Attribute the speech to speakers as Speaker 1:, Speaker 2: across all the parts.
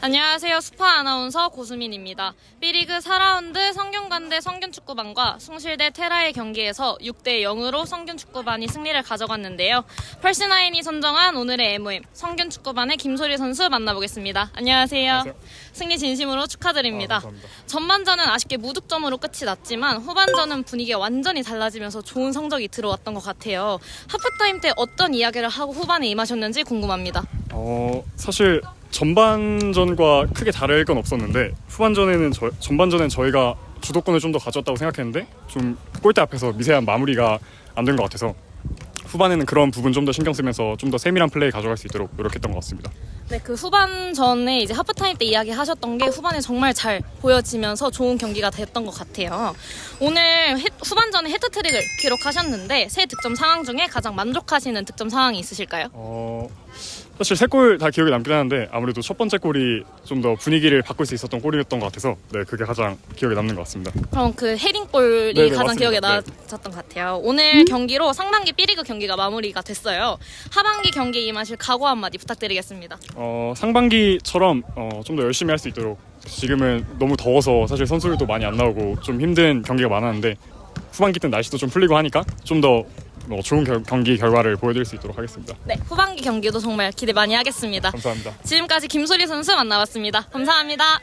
Speaker 1: 안녕하세요. 스파 아나운서 고수민입니다. B리그 4라운드 성균관대 성균축구반과 숭실대 테라의 경기에서 6대 0으로 성균축구반이 승리를 가져갔는데요. 펄스나인이 선정한 오늘의 MOM 성균축구반의 김소리 선수 만나보겠습니다. 안녕하세요.
Speaker 2: 안녕하세요.
Speaker 1: 승리 진심으로 축하드립니다.
Speaker 2: 감사합니다.
Speaker 1: 전반전은 아쉽게 무득점으로 끝이 났지만 후반전은 분위기가 완전히 달라지면서 좋은 성적이 들어왔던 것 같아요. 하프타임 때 어떤 이야기를 하고 후반에 임하셨는지 궁금합니다.
Speaker 2: 사실 전반전과 크게 다를 건 없었는데 전반전엔 저희가 주도권을 좀 더 가졌다고 생각했는데 좀 골대 앞에서 미세한 마무리가 안 된 것 같아서 후반에는 그런 부분 좀 더 신경 쓰면서 좀 더 세밀한 플레이 가져갈 수 있도록 노력했던 것 같습니다.
Speaker 1: 네, 그 후반전에 이제 하프타임 때 이야기하셨던 게 후반에 정말 잘 보여지면서 좋은 경기가 됐던 것 같아요. 오늘 후반전에 헤트트릭을 기록하셨는데 세 득점 상황 중에 가장 만족하시는 득점 상황이 있으실까요?
Speaker 2: 사실 세 골 다 기억에 남긴 하는데 아무래도 첫 번째 골이 좀 더 분위기를 바꿀 수 있었던 골이었던 것 같아서 네, 그게 가장 기억에 남는 것 같습니다.
Speaker 1: 그럼 그 헤딩골이
Speaker 2: 네네,
Speaker 1: 가장
Speaker 2: 맞습니다.
Speaker 1: 기억에
Speaker 2: 네.
Speaker 1: 남았던 것 같아요. 오늘 경기로 상반기 B리그 경기가 마무리가 됐어요. 하반기 경기에 임하실 각오 한마디 부탁드리겠습니다.
Speaker 2: 상반기처럼 좀 더 열심히 할 수 있도록 지금은 너무 더워서 사실 선수들도 많이 안 나오고 좀 힘든 경기가 많았는데 후반기 때는 날씨도 좀 풀리고 하니까 좀 더 좋은 경기 결과를 보여드릴 수 있도록 하겠습니다.
Speaker 1: 네, 후반기 경기도 정말 기대 많이 하겠습니다.
Speaker 2: 감사합니다.
Speaker 1: 지금까지 김소리 선수 만나봤습니다. 감사합니다.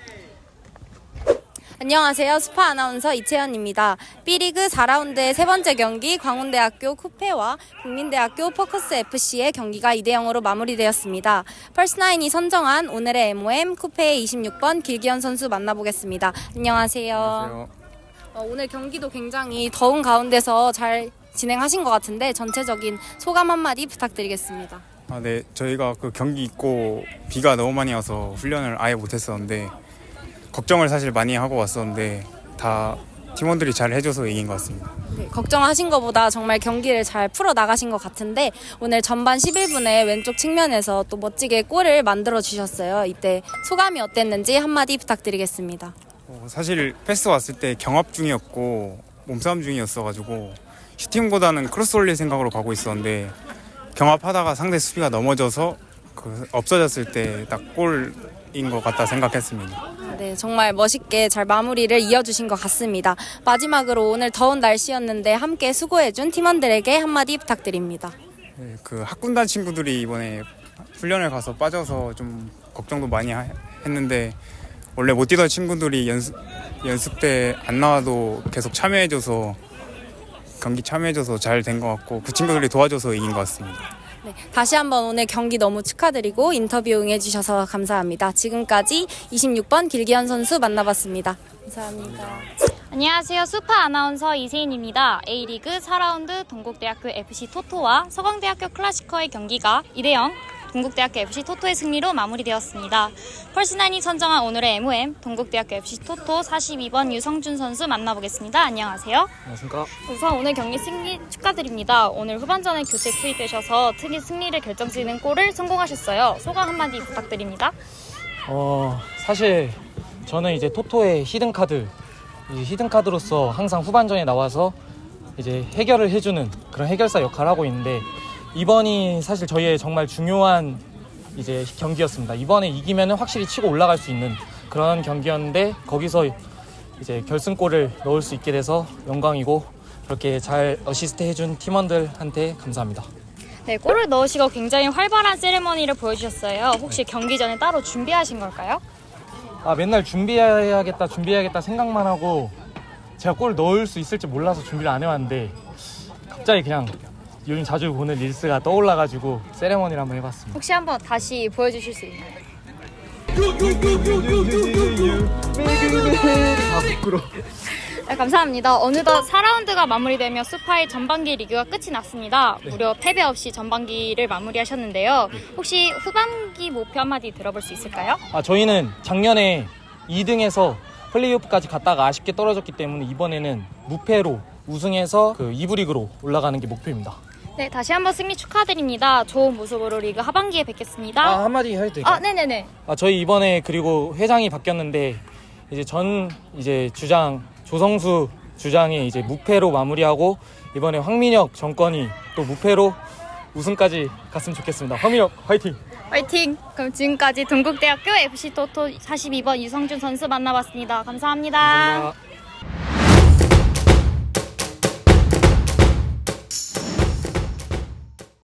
Speaker 3: 안녕하세요. 스파 아나운서 이채연입니다. B리그 4라운드의 세 번째 경기 광운대학교 쿠페와 국민대학교 포커스FC의 경기가 2대 0으로 마무리되었습니다. 펄스나인이 선정한 오늘의 MOM 쿠페의 26번 길기현 선수 만나보겠습니다. 안녕하세요. 오늘 경기도 굉장히 더운 가운데서 잘 진행하신 것 같은데 전체적인 소감 한마디 부탁드리겠습니다.
Speaker 4: 네, 저희가 그 경기 있고 비가 너무 많이 와서 훈련을 아예 못했었는데 걱정을 사실 많이 하고 왔었는데 다 팀원들이 잘 해줘서 이긴 것 같습니다.
Speaker 3: 네, 걱정하신 것보다 정말 경기를 잘 풀어 나가신 것 같은데 오늘 전반 11분에 왼쪽 측면에서 또 멋지게 골을 만들어 주셨어요. 이때 소감이 어땠는지 한마디 부탁드리겠습니다.
Speaker 4: 사실 패스 왔을 때 경합 중이었고 몸싸움 중이었어가지고 슈팅보다는 크로스 올릴 생각으로 가고 있었는데 경합하다가 상대 수비가 넘어져서 없어졌을 때 딱 골인 것 같다 생각했습니다.
Speaker 3: 네, 정말 멋있게 잘 마무리를 이어주신 것 같습니다. 마지막으로 오늘 더운 날씨였는데 함께 수고해준 팀원들에게 한마디 부탁드립니다.
Speaker 4: 네, 그 학군단 친구들이 이번에 훈련을 가서 빠져서 좀 걱정도 많이 했는데 원래 못 뛰던 친구들이 연습 때 안 나와도 계속 경기 참여해줘서 잘 된 것 같고 그 친구들이 도와줘서 이긴 것 같습니다.
Speaker 3: 네, 다시 한번 오늘 경기 너무 축하드리고 인터뷰 응해주셔서 감사합니다. 지금까지 26번 길기현 선수 만나봤습니다. 감사합니다.
Speaker 5: 안녕하세요. 스파 아나운서 이세인입니다. A리그 4라운드 동국대학교 FC 토토와 서강대학교 클래시커의 경기가 2대 0 동국대학교 FC 토토의 승리로 마무리되었습니다. 펄스나인이 선정한 오늘의 MOM 동국대학교 FC 토토 42번 유성준 선수 만나보겠습니다. 안녕하세요.
Speaker 6: 안녕하십니까.
Speaker 5: 우선 오늘 경기 승리 축하드립니다. 오늘 후반전에 교체 투입되셔서 특히 승리를 결정짓는 골을 성공하셨어요. 소감 한마디 부탁드립니다.
Speaker 6: 사실 저는 이제 토토의 히든카드로서 항상 후반전에 나와서 이제 해결을 해주는 그런 해결사 역할을 하고 있는데 이번이 사실 저희의 정말 중요한 이제 경기였습니다. 이번에 이기면은 확실히 치고 올라갈 수 있는 그런 경기였는데 거기서 이제 결승골을 넣을 수 있게 돼서 영광이고 그렇게 잘 어시스트 해준 팀원들한테 감사합니다.
Speaker 5: 네, 골을 넣으시고 굉장히 활발한 세레머니를 보여주셨어요. 혹시 경기 전에 따로 준비하신 걸까요?
Speaker 6: 맨날 준비해야겠다 생각만 하고 제가 골 넣을 수 있을지 몰라서 준비를 안 해왔는데 갑자기 그냥 요즘 자주 보는 릴스가 떠올라가지고 세레머니를 한번 해봤습니다.
Speaker 5: 혹시 한번 다시 보여주실 수 있나요?
Speaker 6: 부끄러워.
Speaker 5: 네, 감사합니다. 어느덧 4라운드가 마무리되며 스파의 전반기 리그가 끝이 났습니다. 무려 패배 없이 전반기를 마무리하셨는데요. 혹시 후반기 목표 한마디 들어볼 수 있을까요?
Speaker 6: 저희는 작년에 2등에서 플레이오프까지 갔다가 아쉽게 떨어졌기 때문에 이번에는 무패로 우승해서 그 2부 리그로 올라가는 게 목표입니다.
Speaker 5: 네, 다시 한번 승리 축하드립니다. 좋은 모습으로 리그 하반기에 뵙겠습니다.
Speaker 6: 한마디 해도 될까요?
Speaker 5: 네네네.
Speaker 6: 저희 이번에 그리고 회장이 바뀌었는데 이제 주장 조성수 주장이 이제 무패로 마무리하고 이번에 황민혁 정권이 또 무패로 우승까지 갔으면 좋겠습니다. 허민혁 화이팅!
Speaker 5: 화이팅! 그럼 지금까지 동국대학교 FC 토토 42번 유성준 선수 만나봤습니다. 감사합니다.
Speaker 6: 감사합니다.